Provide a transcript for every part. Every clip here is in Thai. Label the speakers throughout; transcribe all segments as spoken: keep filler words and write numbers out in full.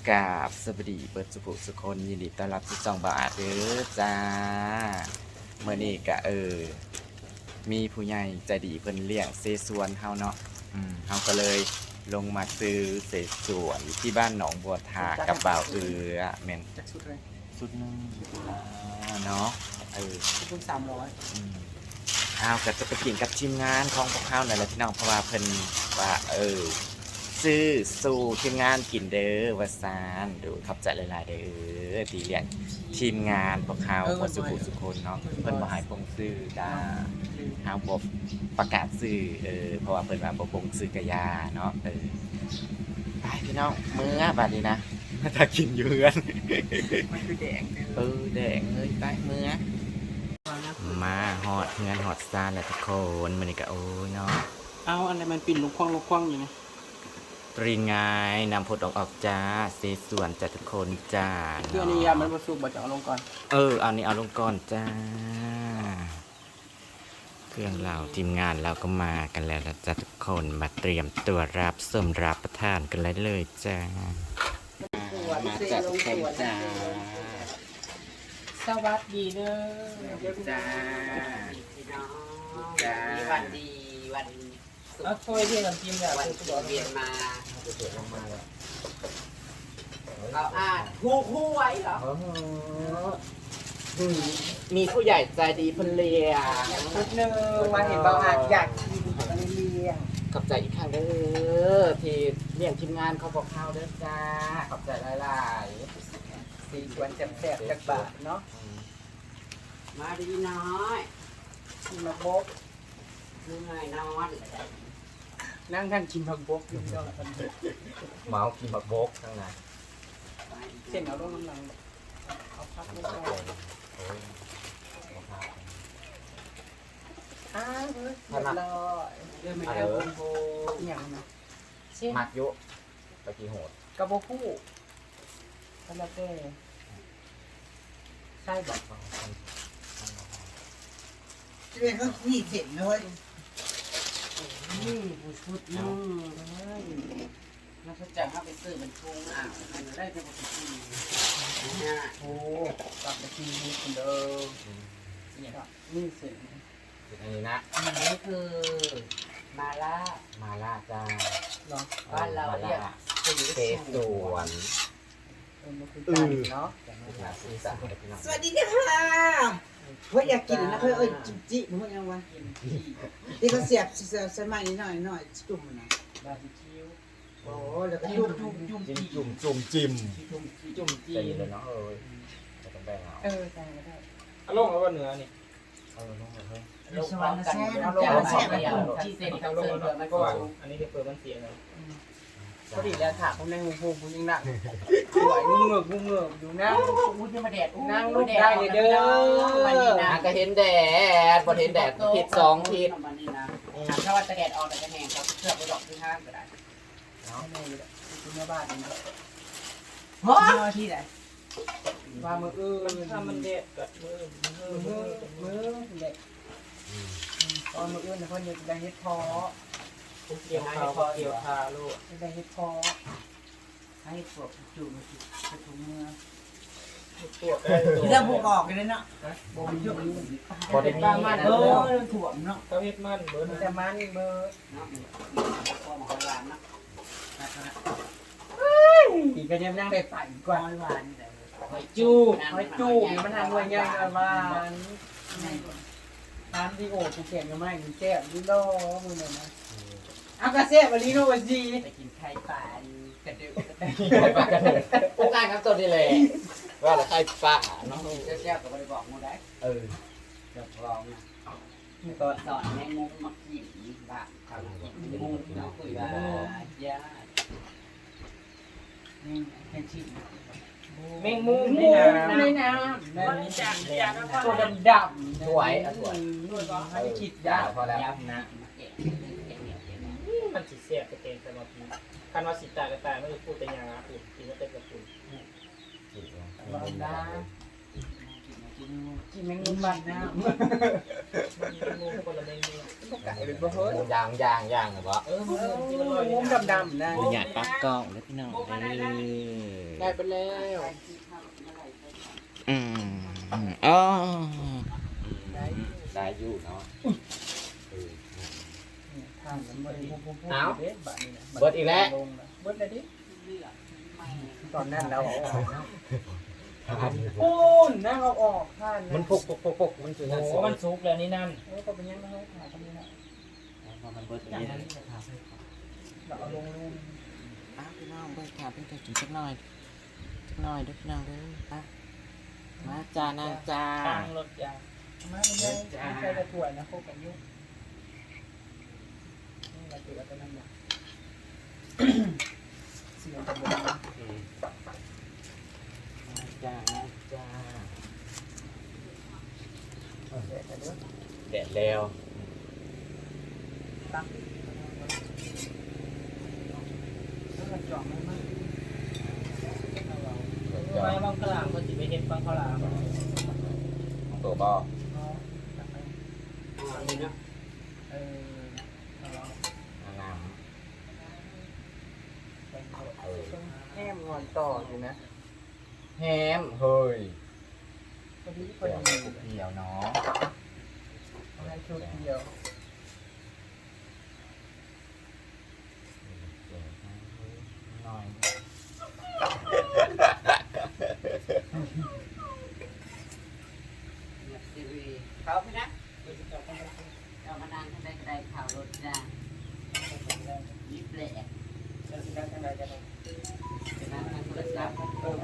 Speaker 1: กราบสวัสดีเปิดสุภุสุคนยินดีต้อนรับสู่ช่องบาอาเด้อจ้าเมื่อนี้ก็เออมีผู้ใหญ่ใจดีเพิ่นเลี้ยงเสสวนเฮาเนาะอืมเฮาก็เลยลงมาซื้อเสสวนอยู่ที่บ้านหนองบัวทากับบ่าวเอือแม่น
Speaker 2: จากสุดเลย
Speaker 1: สุดหนึงอ่าเนาะเออ
Speaker 2: ทุกสามร้อย
Speaker 1: อืมเฮาก็จะไปกินกับทีมงานของพวกเฮานั่นแหละพี่น้องเพราะว่าเพิ่นว่าเออซื้อสู่ทีมงานกินเด้อว่าซานดูขอบใจหลายๆเด้อที่เลี้ยงทีมงานพวกเฮาบ่สุขุสุคนเนาะเพิ่นบ่ให้ปงซื้อจ้าเฮาบ่ประกาศซื้อเออเพราะว่าเพิ่นว่าบ่ปงซื้อกะยาเนาะเออไปพี่น้องมื้อบัดนี้นะถ้ากินอยู่เฮือน
Speaker 2: มันคือแดง
Speaker 1: เออแดงเลยไปมื้อมาฮอดเฮือนฮอดซ่านแล้วทุกคนมื้อนี้ก็โอ้ยเนาะ
Speaker 2: เอาอะไรมันปิ่นลูกควงลูกควงอยู่นะ
Speaker 1: ตรีนไงนำผลออกออกจ้าเซส่วนจ้าทุกคนจ้า
Speaker 2: คืออันนี้ยามันผสมบ่จะเอาลงก่อน
Speaker 1: เออเอานี้เอาลงก่อนจ้า เครื่องเราทีมงานเราก็มากันแล้วนะจ้าทุกคนมาเตรียมตัวรับสมรับประทานกันเลยเลยจ้ามาจ้าทุกคนจ้า
Speaker 2: สวัสดีเด้อ
Speaker 1: จ้า
Speaker 3: จ้าวันดีวัน
Speaker 2: เอาถ้วยที่น้ำจิ้มเนี่ย
Speaker 3: วัน
Speaker 2: สุ
Speaker 3: ที่
Speaker 2: ด
Speaker 3: เวียนมา
Speaker 1: จะเปิดลงมาแล้ว
Speaker 3: เอาอ่านคู่คู่ไว้เหรอ
Speaker 1: มีผู้ใหญ่ใจดีเพนเลีย
Speaker 2: ชุดหนึ่งมาเห็นเบาอาจอยากกินมันเลี้ยง
Speaker 1: ขอบใจอีกครั้งเด้อที่เลี้ยงทีมงานเขาบอกข้าวเด้อจ้าขอบใจหลายๆ
Speaker 2: สีสวนแสบๆจากบาทเนาะ
Speaker 3: มาดีน้อย
Speaker 2: กินมะบก
Speaker 3: เหนื่อยนอน
Speaker 2: นั่งท่านกินมะบกอยู่เนาะ
Speaker 1: เมากินบักบกทั้งนั้น
Speaker 2: เส้นเอาลงน้ำลังเอาพักลงไปอ้าวเฮ้ยเรียบร้อยเริ่มไม่ได้บงโบอย่างนะ
Speaker 1: มักยุตะกี้โหด
Speaker 2: กระโบคู่กระลาเต้ใช่บอก
Speaker 4: เรื่องก็มีเสร็จนะเว้ย
Speaker 3: นี่ผู้ชุดนึงแล้วก็จะเข้าไปซื้อมันทุ่งอ่างมันได้จะปกติเนี่ย
Speaker 2: โอ้กลับไปทีนี้คนเดิมเนี่ยนี่เสร็จ
Speaker 1: อันนี้นะ
Speaker 3: อันนี้คือมาล่า
Speaker 1: มาล่าจ้า
Speaker 2: เนาะ
Speaker 3: บ้านเราเรียกสี
Speaker 1: เซสวน
Speaker 2: เออมันคือกันเนาะ
Speaker 1: นาซีสันพี่น้อง
Speaker 4: สวัสดีค่ะเฮ้ยอยากกินนะเฮ้ยเอ้ยจิมจิมึงยังวะที่เขาเสียบเสียบใส่ไม้นิดหน่อยหน่อยจุ่มนะ
Speaker 2: บาร์บีคิว
Speaker 4: โอ้แล้วก็
Speaker 2: จุ่
Speaker 4: จุ่
Speaker 2: ม
Speaker 4: ม
Speaker 2: จุ่มจุ่ม
Speaker 1: จิ้มจุ่มจุ่มจิ้ม
Speaker 2: จุ่มจุ่มจี
Speaker 1: ใจเย็นเลยเนาะเอ้ยจะต้องแบ่งเอา
Speaker 2: เออใช่ก็ได้
Speaker 5: อารมณ์เอาว่าเหนือนี่
Speaker 1: เออลงมาเฮ้ย
Speaker 3: ลูกพร้อมกันเอาลงมาแช่ไปเอาที่เซ็นเขา
Speaker 5: เอา
Speaker 3: เซ็
Speaker 5: ล
Speaker 3: น
Speaker 5: ง
Speaker 3: เพื่อ
Speaker 5: มา
Speaker 3: มัน
Speaker 5: ก็ว่า
Speaker 3: สูง
Speaker 5: อันนี้เดี๋ยวเปิดมันเสียเลย
Speaker 2: พอดีแล้วถามผมในหูหูผมยังหนักสวยงุ้งเงือกงุ้งเงือกอยู่นะ
Speaker 3: อุ้ยจะมาแดด
Speaker 2: นั่งลูกได้เลยเด้อ
Speaker 3: วันนี้นะ
Speaker 1: อ่ะก็เห็นแดดบ่เห็นแดดผิดสองผิด
Speaker 3: วันนี้นะถ้าว่าจะแดดออกแต่จะแห้งเขาเชือกไปดอกที่ห้างก็ได้
Speaker 2: ไม่เลยคุณแม่บ้านนี่
Speaker 3: เฮ้ย
Speaker 2: มาที่ไหนว่ามือเออ
Speaker 5: มันถ้ามันเด็ดกัดมือมือ
Speaker 2: มือ
Speaker 5: มือ
Speaker 2: มือเด็กตอนมืออื่นเนี่ยคนเด็กได้เฮ็ดพอ
Speaker 5: เกี่ยวขาเกี่ยวขาลูก
Speaker 2: ได้เฮ็ดพอ
Speaker 3: ให้พวกจู่มาจุดถุงมือ
Speaker 5: ปวดได้ตัว
Speaker 4: เรื่องพวกออกกันเลยเนาะ
Speaker 3: บ่มยุ่ง
Speaker 1: บ่ได้มี
Speaker 2: บ้ามัน
Speaker 4: เอ
Speaker 2: เอ
Speaker 4: อ
Speaker 2: อ
Speaker 4: เรื่องถ่วงเนาะ
Speaker 5: เขาเฮ็ดมันเบิร์น
Speaker 2: แต่มันเบอร์
Speaker 3: เนาะความหวานนะ
Speaker 2: อีกก็ยังนั่งได้ปั่นก
Speaker 3: ควา
Speaker 2: ว่าม
Speaker 3: หวานแต่
Speaker 2: หอยจูบหอยจูบมันทางหน่วยยังกันมาร้านที่โอ้กูเขียนกันมาอีกแซ่บดิโลมึงเนี่ยนะเอากระเซ่บลิโนวาจี
Speaker 3: ไปกินไข่ปลากระดูกกระ
Speaker 1: ไปปากกันเลยโอ้การครับตัวนี้เลยว่าละใครป่าเนาะ
Speaker 3: ดูกเจ้าๆก็ไม่ได้บอกมูได้
Speaker 1: เออ
Speaker 3: เดี๋ยวลองนะก็สอนแมงมุมมากินบ้างทำกินมุมเนาะคุยว่าย่านี่แค่ชิ้น
Speaker 5: แมงมุม
Speaker 2: ใน
Speaker 5: นี่นะ
Speaker 2: น้ำในน้ำตัวดำดำ
Speaker 1: สวยอ่ะสวย
Speaker 2: ให้คิด
Speaker 1: ยาย
Speaker 2: าว
Speaker 1: พอแล้ว
Speaker 3: ยับนะเก็บเก็บเก็บเก็บ
Speaker 5: มันสิเสียบไปเต็มสมาธิคันว่าสิตายก็ตายไม่ได้พูดแต่ยางนะพูดกินก็เต็มกับพูด
Speaker 2: ลองได้กินแมงมุมบ้านน้
Speaker 5: มันมีงูคนละเมนู
Speaker 2: ไก่เป็นบ่เฮ้ย
Speaker 1: ย่างย่างย่างนะบ่
Speaker 5: เออมัน
Speaker 2: เอ
Speaker 5: ที่มันลอย
Speaker 2: อมุมดำๆนะ
Speaker 1: หยาดปักกล้องแล้วพี่น้องเด้
Speaker 2: ได้
Speaker 1: อ
Speaker 2: ไปแล้ว
Speaker 1: อืมอ๋อได้อยู่เนาะ
Speaker 2: ทางมันบ่ได้พูดๆ
Speaker 1: เอา
Speaker 2: เด้บัดนี้นะ
Speaker 1: เบิดอีกแล้ว
Speaker 2: เบิดเลยดิตอนนั้นเราเอาออกนะ
Speaker 1: มัน
Speaker 2: ปูนนั่งเอาออกท่านนะ
Speaker 1: มันพุกพุกพุกพุกมันคือ
Speaker 5: โอ้โหมันซุกแล้วนี่นั่น
Speaker 2: เออก็เป็นยังไงขาตรงนี้นะ
Speaker 1: มันเบิดอย่างนี้
Speaker 2: เราเอาลงลูน
Speaker 1: อ้าวพี่น้องเบิดขาเป็นตัวจุดสักหน่อยสักหน่อยเด้อพี่น้องเด้ออ่ะมาจ้านางจ้า
Speaker 5: ทางรถยาง
Speaker 2: มาเป็นยังไม่ใช่กระถ่วยนะโคกันยุ่งนี่เราถือว่าจะนั่นแหละเสียงจะหมด
Speaker 1: จ้าจ้า
Speaker 2: เด็ดเด้อ
Speaker 1: แดดแล้ว
Speaker 2: ตั้งแล้วก็จ่อไม่มาก
Speaker 5: ไม้บางขลามก็สิไปเห็นบางขลาม
Speaker 1: ตัวบ่
Speaker 2: เนาะตักไป
Speaker 3: อันนี้เนาะ
Speaker 2: เออเอาละ
Speaker 1: น้
Speaker 2: ไปเอา
Speaker 1: ำเออ
Speaker 2: ต้องแห้มงอนต่ออยู่นะ
Speaker 1: แฮมเฮ้ย
Speaker 2: พอดีพ
Speaker 1: เดี๋
Speaker 2: อ
Speaker 1: ยว
Speaker 2: ดี
Speaker 1: เดียวเนาะ
Speaker 2: อะไรชุดเดียว
Speaker 1: หน่อย
Speaker 3: เนี่ยซีรีส์เขาพี่นะเรามานานกันได้ก็ได้ข่าวรถจ้ายิบแหลก
Speaker 2: จะสิได้จังไดกัน
Speaker 3: เป็นนั้นทางโทรศัพท์
Speaker 2: เออแม่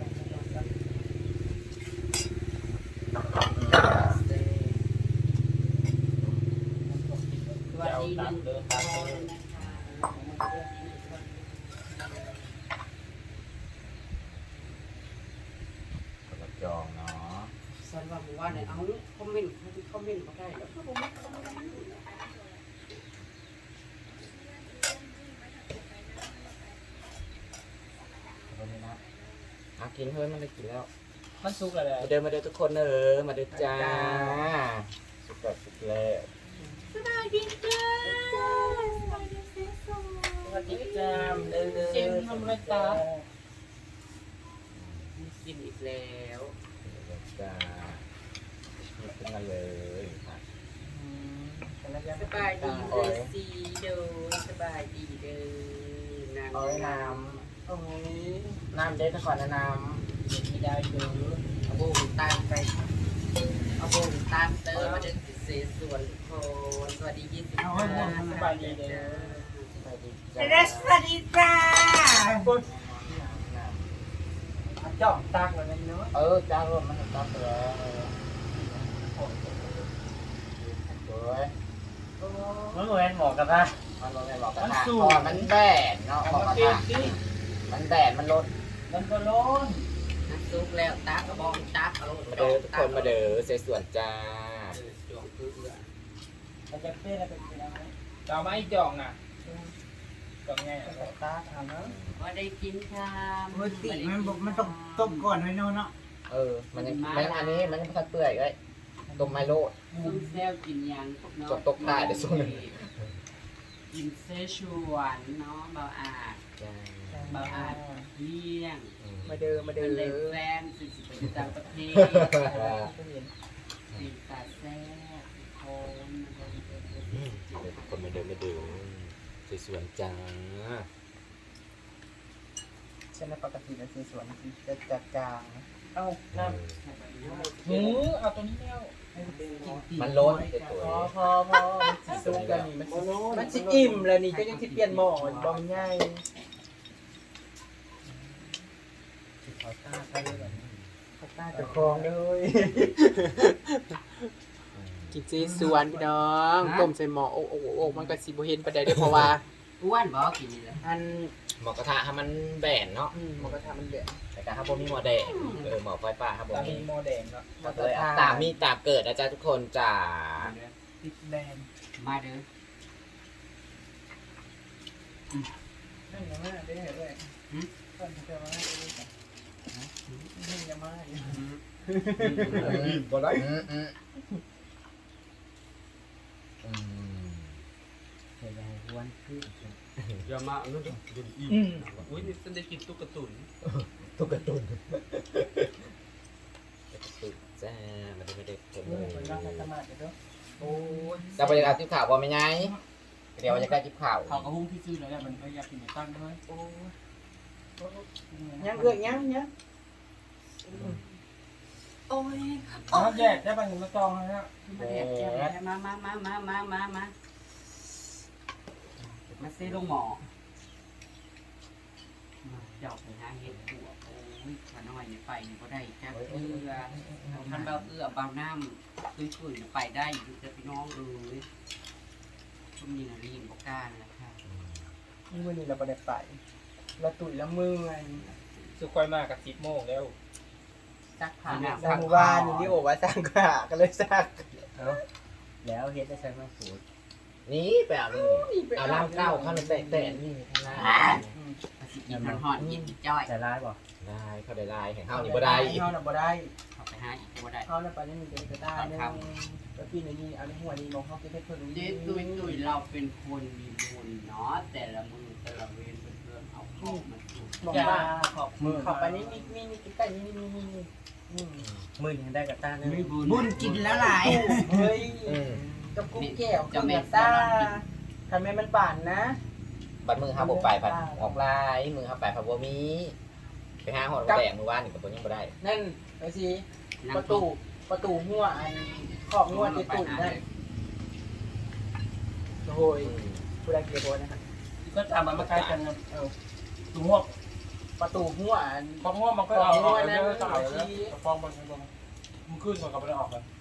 Speaker 3: สวัสดีหนึ่ง
Speaker 5: เดิน
Speaker 3: ค
Speaker 5: ตาม
Speaker 3: น
Speaker 5: เดิน
Speaker 3: นะคะ
Speaker 1: กระจองเนาะ
Speaker 3: สันว่าผมว่าเนี่ยเอาคอมเมนต์คอมเมนต์ก็ได้แล้วก็ผมไม่คอมเมนต์
Speaker 1: ตรงนี้นะอากินเฮ้ยมันได้กินแล้ว
Speaker 5: มันซุกแล้วแหละ
Speaker 1: มาเดินมาเดินทุกคนเออมาเดินจ้าสุดแบบสุดแล้ว
Speaker 3: สบายดีจ้า
Speaker 5: สวัสดีจ้าเดินเซ็นทำไรตา
Speaker 3: กินอีกแล้ว
Speaker 1: จ้าหยิบขึ้นมาเลยค่ะ
Speaker 3: สบายดีเด้อสีเด้อสบายดีเด้อนาง
Speaker 1: เอาไว้น้
Speaker 2: โอ้ย
Speaker 1: ำน้ำเด็ดก่อนนะน้
Speaker 5: มีได้เด้อ
Speaker 3: เอาโบงตามไปเอาโบงตามเตอร์มาเดินติดเสส่วนทุกคนสวัสดียี่สิบห้าสบายดีเด้อ
Speaker 1: ำไปดิ
Speaker 4: เดสวัสดีจ้า
Speaker 2: จ่องตักแล้วนะเนาะ
Speaker 1: เออจ้ารถมันจ้าไปแล้วสวย
Speaker 5: มันเหมือนหมอกระทะ
Speaker 1: มันรถไม่บอกกัน
Speaker 5: มัน
Speaker 1: นะ
Speaker 5: สูง
Speaker 1: ก่อนมันแดดเนาะบอกกันนะมันแดดมันรถ
Speaker 5: มันก็ร้อน
Speaker 3: นักซุกแล้วตากระบองตักเอา
Speaker 1: มาเด้อทุกคนมาเด้อเสสวนจ้า
Speaker 3: จวงคือ
Speaker 2: มันจะเป็นอะไรเป็นอะไร
Speaker 5: จะเอาไม้จ่องน่ะจ่องไง
Speaker 2: ตาทำเนาะ
Speaker 3: ว่าได้กินข้าว
Speaker 4: ปกติมันบอกมันต้องต้มก่อนไว้เนาะเนาะ
Speaker 1: เออมันยังมันอันนี้มันยังพัดเปื่อยเลยต้มไมโลด
Speaker 3: ซุ่มแซวกินยังพวกเนาะ
Speaker 1: จบตกได้เดี๋ยวส่งหนึ่ง
Speaker 3: กินเซชวนเนาะเบาอาด
Speaker 1: จ้า
Speaker 3: เบาอาดเลี้ยง
Speaker 2: มาเดินมา
Speaker 3: เป็
Speaker 2: เดิ
Speaker 3: น
Speaker 2: น
Speaker 3: เลยแฟนสิสิไปต่างประเทศปีตาแซ่บโคนมัน
Speaker 1: เดี๋ยวทุกคนมาเดินมาเดินเสสวนจ้า
Speaker 2: ฉันในปกตินะคือสวนจะจัดกลางเอ้าน้ำ
Speaker 5: หมูเอาตัวนี้แล้ว
Speaker 1: มันลดเด็ดตัว
Speaker 2: พอพอพอมันสิสุกแล้วนี่มันสิมันสิอิ่มแล้วนี่ก็ยังสิเปลี่ยนหม้อบอมง่ายเขาตาใครเลยเขาตาจะคลองเลยกินซีสวนพี่น้องต้มใส่หม้อโอ้โอ้โอ้มันก็สิบ่เห็นประเดี๋ยวเพราะว่า
Speaker 3: อ้วนบอกกินนี่แหละ
Speaker 2: อัน
Speaker 1: หมอกระทะให้มันแบนเนาะ
Speaker 2: อืมมันก็ทำมันเดือด
Speaker 1: แต่การถ้าพวกมีหมอแดงเออหมอไฟป่าครับผม
Speaker 5: ตามีโมแดงเนาะ
Speaker 1: เลยเอาตามมีตามเกิดนะจ๊ะทุกคนจ้า
Speaker 2: ติดแดง
Speaker 3: มาเด้อ
Speaker 2: นั่นยังไม่ได้เห็นเลยต้นจะมาได้เลยนี่ยังไม่
Speaker 1: บ่ได้อืมอืม
Speaker 3: อย่ามานั่นดิดูอีกอุ้ยนี่ฉันได้กินตุ๊กตุน
Speaker 1: ตุ๊กตุนตุ๊กจ้ามันไม่ได้คน
Speaker 2: มื
Speaker 1: เล
Speaker 2: อย คนรักธรรมะเด้อ
Speaker 3: โอ้ย
Speaker 1: จะไปเอาจิ๊บข่าวบ่ไม่ไงเดี๋ยวจะได้จิ๊บข่าว
Speaker 3: เขากระหุ้งที่ซื้อแล้วมันพยายามกินตั้งด้วยโอ้ย
Speaker 2: ยังเอื้อยังยัง
Speaker 3: โอ้ย
Speaker 5: น้ำแยกได้ป่ะหนึ่งมาจองนะ
Speaker 3: มาแดดมามามามามามามามาซื้อลงหมอเจ้าไปหาเห็ดหัวโอ้ยขน้อยไปนี่ก็ได้จ้าเอื้อท่านเบาเอื้อเบาน้ำคุยคุยไปได้อยู่จะพี่น้องเอ้ยช่วงนี้นะรีบบอกกล้านะครับ
Speaker 2: นี่วันนี้เราไปได้ไปเราตุ๋ยละมือไง
Speaker 5: สุกค่อยมากกับสิบโมงแล้ว
Speaker 3: ซักผ้า
Speaker 2: สร้างบ้านนี่โอ้ว่าสร้างขาก็เลยสร้าง
Speaker 5: แล้วเฮ็ดได้ใช้มาสูตร
Speaker 1: นี่ไปเอานี่เอาล่างเก้าเข้าในแตะแตะนี่ข้างหน้า
Speaker 3: สิกินมันห่อนกินจ้อย
Speaker 5: จะร้ายบ่
Speaker 1: ได้เขาได้ลายแห่งข้าวนี่บ่ได้
Speaker 2: เฮาน่ะบ่ได้
Speaker 3: เข้าไปหาอีกก็ได้
Speaker 2: เฮาน่ะไปนี่มีเด็กก็ได้นึงแล้วพี่นี่เอาในหัวนี่มองเฮาไปให้เพิ่น
Speaker 3: เจ๊ตุยตุยเราเป็นคนมีบุญเนาะแต่ละมือแต่ละเวรเพื่อนเอาของมาสู่
Speaker 2: มองว่าขอบมือเข้าไปนี่นี่นี่นี่ใกล้นี่นี่นี่นี่อืม
Speaker 5: มื่นยังได้กับต้าเนี่ย
Speaker 3: บุญกินแล้วหลาย
Speaker 2: เฮ้ยกับกุ้งแก้วกับแม่ตาทำไมมันบานนะ
Speaker 1: บัดมือห้าบกไปผัดออกลายมือห้าไปผัดบัวมีไปห้าหอดแดงมือว่านนี่กับตัวยังบ่ได้
Speaker 2: นั่นไปสิประตูประตูหัวอันขอบหัวติดตุ่มนั่นโอ้ยผู้ใดเกลียดโบนะฮะ
Speaker 5: ก็จำมันมาใกล้กันนะเออถุงหมวก
Speaker 2: ประตูหัวอัน
Speaker 5: ฟองง่วงมันก็เอาเอาเยอะต่อแล้วฟองมันมันมันขึ้นมันก็ไม่ได้ออกกัน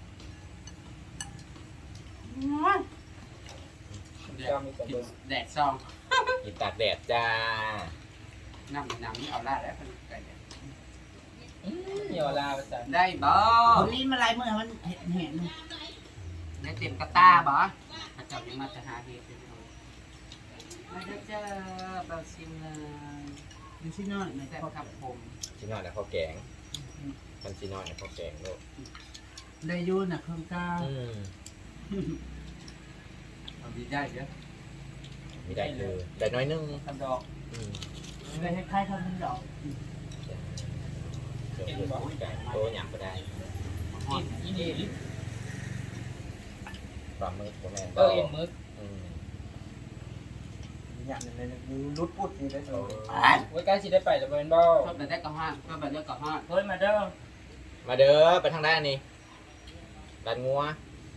Speaker 5: จะมีแต่เดิม
Speaker 3: แดดซอง
Speaker 1: กินตากแดดจ้า
Speaker 3: น้ำน้ำนี่เอาละแล้วกันไก่
Speaker 5: เหี่ยวลาไปจ้ะ
Speaker 3: ได้บ่
Speaker 4: คนลิ้นมาลายมือมันเห็นเห็น
Speaker 3: ได้เต็มกระตาบ่พระเจ้ายังมาจะหาเหตุเลยมาได้เจอเบาซิมเลย
Speaker 4: ดูสิน้อยไหน
Speaker 3: แซ่บครับผม
Speaker 1: ชิ้นนอนแล้วข้าวแกงมันชิ้นนอนแล้วข้าวแกงโลก
Speaker 4: ได้ยูน่ะเครื่องกา
Speaker 1: อืม
Speaker 3: เอาดีได้เยอะ
Speaker 1: มีได้คือได้น้อยนึง
Speaker 5: ทำดอก
Speaker 1: อืม
Speaker 4: ได้คล้ายๆทำเป็นดอก
Speaker 1: เดี๋ยวเพื่อนกันโตหยำก็ได้
Speaker 3: ห่อน
Speaker 5: อีเดีย
Speaker 1: ปลาหมึกก็แม่น
Speaker 5: เออเอ็นมึก
Speaker 1: อืม
Speaker 2: อย่างนี้เลยรุดปุดนี่ได้เลย
Speaker 5: ไว้ใกล้สิได้ไปแต่เป็นบ่
Speaker 3: ชอบแบบได้กระห้างชอบแบบได้กระห้าง
Speaker 5: เฮ้ยมาเด้อ
Speaker 1: มาเด้อไปทางด้านนี้ด้านงัว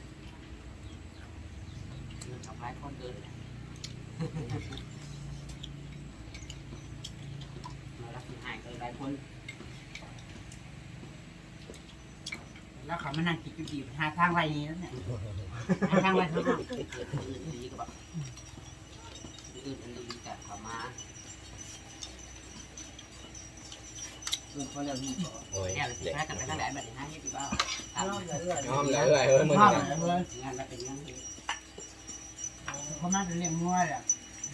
Speaker 3: เงินกับหลายคนเกินมารับสิหายเกินหลายคน
Speaker 4: แล้วเขามานั่งคิดอยู่ดีหาทางไรนี้แล้วเนี่ยหาทางไรข้างนอก
Speaker 3: อื่นดีก็แบบอื่นอันดีแต่ขอมา
Speaker 2: เรื่องเขาเรียกนี่ก่อน
Speaker 1: โอ้ย
Speaker 3: เนี่ยเราสิแพ้กันไปทางไหนแบบนี้ฮะเฮ็ดดีบ้า
Speaker 2: เอาเรื่อย
Speaker 1: น้อมเลยเอ้ยเฮ้ยมึง
Speaker 4: พ่อ
Speaker 1: นะ
Speaker 4: เลย
Speaker 3: งานเราเป็นยังไง
Speaker 4: เขามาจะเลี้ยงงัวแหละ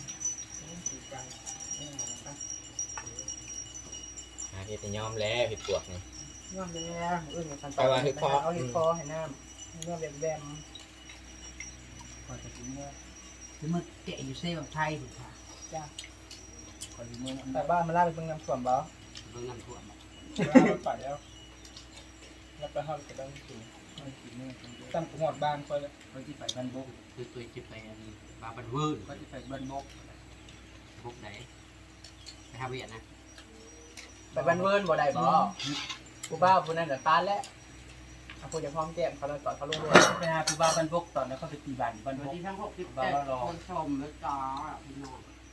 Speaker 1: หาเห็ดให้ยอมแล้วเห็ดปวกนี่
Speaker 2: งามแล้วเอื้อมันเอาเห็ดคอให้น้ำเนื้อแบมแบมพอจะกินเนื้อ
Speaker 4: คือมันเกะอยู่เซ่แบบไทยถูกค่ะ
Speaker 2: พอดีมือแต่บ้านมันล่าไปเพิ่งน้ำส่วนบ่
Speaker 3: เบิ่งน้ำท่วม
Speaker 5: ไปแล้วแล้วไปห้องจะได้ถึงตั้งหอดบ้านไปแล้ว
Speaker 2: เขาที่ไปบ้านบก
Speaker 3: คือตัวจิบไปอันนี้บาบันเวิร์น
Speaker 2: เขาที่ไปบ้านบก
Speaker 3: พวกไหนไปหาเวียนนะ
Speaker 2: ไปบ้านเวิร์นบ่ได้บ่กูบ้าผู้นั้นแต่ตานแล้วเอาผู้จะพร้อมแก้มเขาเลยต่อเขาลงด้วยไปหาผู้บ้าบ้านบกตอนนั้นเขาไปตีบ้านบ้าน
Speaker 3: วั
Speaker 2: บ
Speaker 3: น
Speaker 2: ก
Speaker 3: ที่ทั้งหกสิบเจ็ดคนชมแล้วจ้าพี่น้อง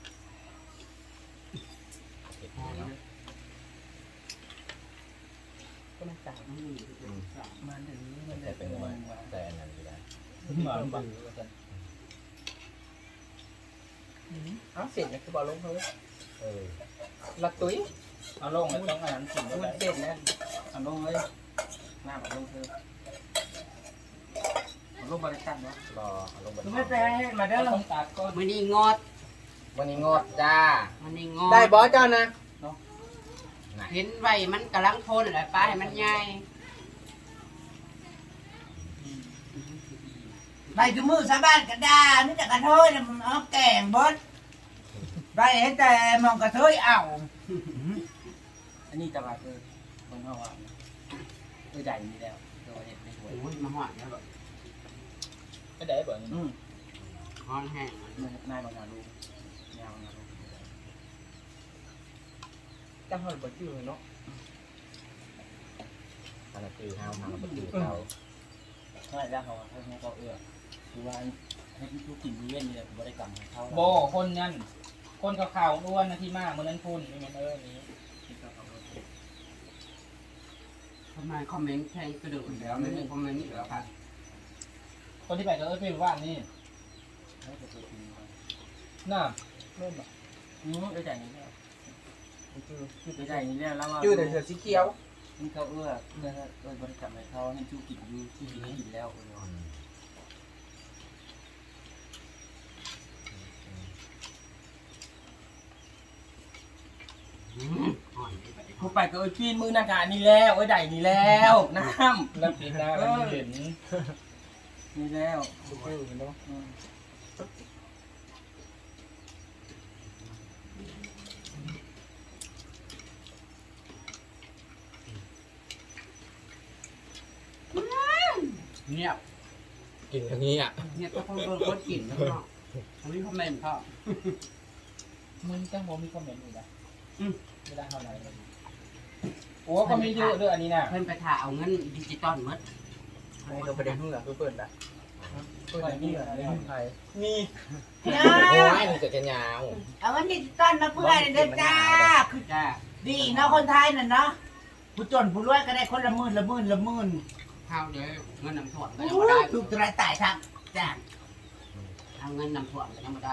Speaker 1: เห็ดให้เนาะ
Speaker 2: ก็มันจ่าย
Speaker 3: น้ำมือคือเป็นสาม
Speaker 2: มันถึงมัน
Speaker 1: แต่
Speaker 2: ได้
Speaker 1: เป็
Speaker 2: เป็นน
Speaker 1: วั
Speaker 2: วัน น
Speaker 1: แต่อันนั้นอยู่ได้
Speaker 5: หมาบัง
Speaker 2: เอ้าเสร็จเนี่ยคือบอลลงเขา
Speaker 1: เออ
Speaker 2: ละตุ้ย
Speaker 5: เอาลงแล้วต้องอ่านสิ่ง
Speaker 2: มัน
Speaker 5: อะไร
Speaker 2: เสร็จแล้ว
Speaker 5: เอาลงเลยหน้าแบบลงเธอเอาลงบริการเนาะ
Speaker 1: รอเอาลงบน
Speaker 2: ไม่แปลให้มาเด้อ
Speaker 5: ต้องตัดก็
Speaker 3: วันนี้งด
Speaker 1: วันนี้งดจ้า
Speaker 3: วันนี้งด
Speaker 2: ได้บอสเจ้านะ
Speaker 3: เห็นไว้มันกำลังทนแหละป้าให้มันใหญ่
Speaker 4: ไปคือมือสาบ้านกระดาไม่จากกระโทยนะมันเอาแกงบดได้เห็นแต่มองกระเทยเอา
Speaker 2: อันนี้ตลาดเออคนเฮาว่าเออใหญ่มีแล้วตัวเห็ดในหัว
Speaker 3: โอ้ยมาหอดแล้วแบบ
Speaker 5: ไม่ได้บ่นี่
Speaker 2: อืม
Speaker 3: หอนแห้ง
Speaker 2: นายบางงานรู้ยาวงานรู้จังหวัดบ่จื้อเนาะ
Speaker 1: ทางคือห้าวทางประตูเขา
Speaker 2: เท่าไหร่แล้วเขาเขาเขาเอื้อคือว่าให้ทุกกินมีเว้นนี่แหละบ่ได้กรรมเขา
Speaker 5: โบคนนั่นคนขาวๆอ้วนนะที่มากเมื่อนั้นพุ่นนี่มันเออนี้
Speaker 3: ทำไมคอมเมนต์แทงกระโดดแล้วไม่มีคอมเมนต์อีกแล้วครับ
Speaker 5: คนที่ไปก็เออเป็นว่านนี่
Speaker 2: ให้ตัวตัวจริงมา
Speaker 5: น่าเริ่มแบบ
Speaker 2: อืมเออใหญ่นี่แล้วจื้อจื้อใหญ่นี่แล้วแล้วว่า
Speaker 5: จื้อแต่เสือสีเขียว
Speaker 2: นี่เขาเอื้อเอื้อเอื้อบริกรรมให้เขาให้จูกินอยู่ที่กินให้กินแล้วเออ
Speaker 3: หอนไปไป
Speaker 2: ผู้ไปก็เอ้ยปีนมือหน้ากานี่แล้วเอ้ยใหญ่นี่แล้วน้ำ
Speaker 5: น้ำปีหน้าแล้วมีเห็น
Speaker 2: นี่แล้ว
Speaker 5: จื้อเนาะ
Speaker 2: อืม
Speaker 3: เงียบ
Speaker 1: กินอย่างนี้อ่ะ
Speaker 3: เงียบก็คงโดนคนกินแล้วเนาะอันนี้คอมเมนต์พ่อ
Speaker 5: มึงจังผมมีคอมเมนต์อยู่นะ
Speaker 3: อืม
Speaker 5: ไม่ได้เท่าไหร่เลยโอ้ก็มีเยอะด้วยอันนี้นะ
Speaker 3: เพิ่นไปถ่ายเอาเงินดิจิตอลหมด
Speaker 2: ให้เราไปเดินทุ่งเหรอเพื่อนเปิดอ่ะเปิดนี่เหรอในทุ่งไทยนี่
Speaker 1: โอ้ยมันจะจะยาว
Speaker 4: เอาเงินดิจิตอลมาเพื่อนเด้อจ้าคือ
Speaker 3: จ้า
Speaker 4: ดีเนาะคนไทยน่ะเนาะผู้จนผู้รวยก็ได้คนละหมื่นละหมื่นละหมื่น
Speaker 3: ข้าวเด้อเงินนำถ่วงก็
Speaker 4: โอ้
Speaker 3: ยังไม่ได้
Speaker 4: ยถูกตรายตายครับจ้า
Speaker 3: เอาเงินนำถ่วงก็ยังไม่ได้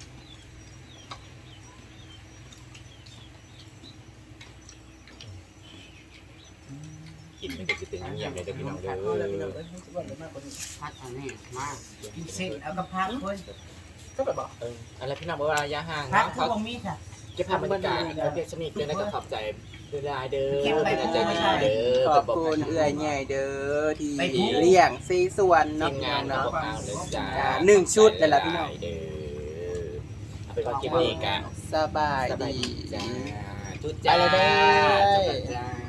Speaker 1: กินมันก็จะเป็นอย่างไรเด้อพี่น้องเด้
Speaker 2: เอาเลยพี่น้อง
Speaker 1: อ
Speaker 2: เอ้ยให้สิบวันเลยมากกว่านี้
Speaker 3: พัดอันนี้มาก
Speaker 4: กินเสร็จเอากระพักเพิ่น
Speaker 2: ก็แบบบอก
Speaker 1: เอออะไรพี่น้องบอกว่าระยะห่าง
Speaker 4: พัก
Speaker 1: เนาะ
Speaker 4: คือบ่มีค่ะ
Speaker 1: เก็บภาพบรรยากาศประเทศสนิทเด้อนะก็ขอบใจด้วยลายเด้อ
Speaker 4: เก็บไว้
Speaker 1: เป็นใจดีเด้อ
Speaker 2: ขอบคุณเอื้อยใหญ่เด้อที่เลี้ยงซีส่วน
Speaker 1: ที
Speaker 2: เนาะ
Speaker 1: ม
Speaker 2: พี่
Speaker 1: งา
Speaker 2: น้อน ง
Speaker 1: ของ
Speaker 2: เนาะ
Speaker 1: เราเลยจ้า
Speaker 2: อ่าหนึ่งชุดนั่นแหละพี่น้อง
Speaker 1: เด้อเอาเป็นว่าคลิปนี้กัน
Speaker 2: สบาย
Speaker 1: สบาย
Speaker 2: ดี
Speaker 1: ดีจ้าจุด
Speaker 2: ไป
Speaker 1: จ้า
Speaker 2: เลยเด้อ
Speaker 1: จุดจ้า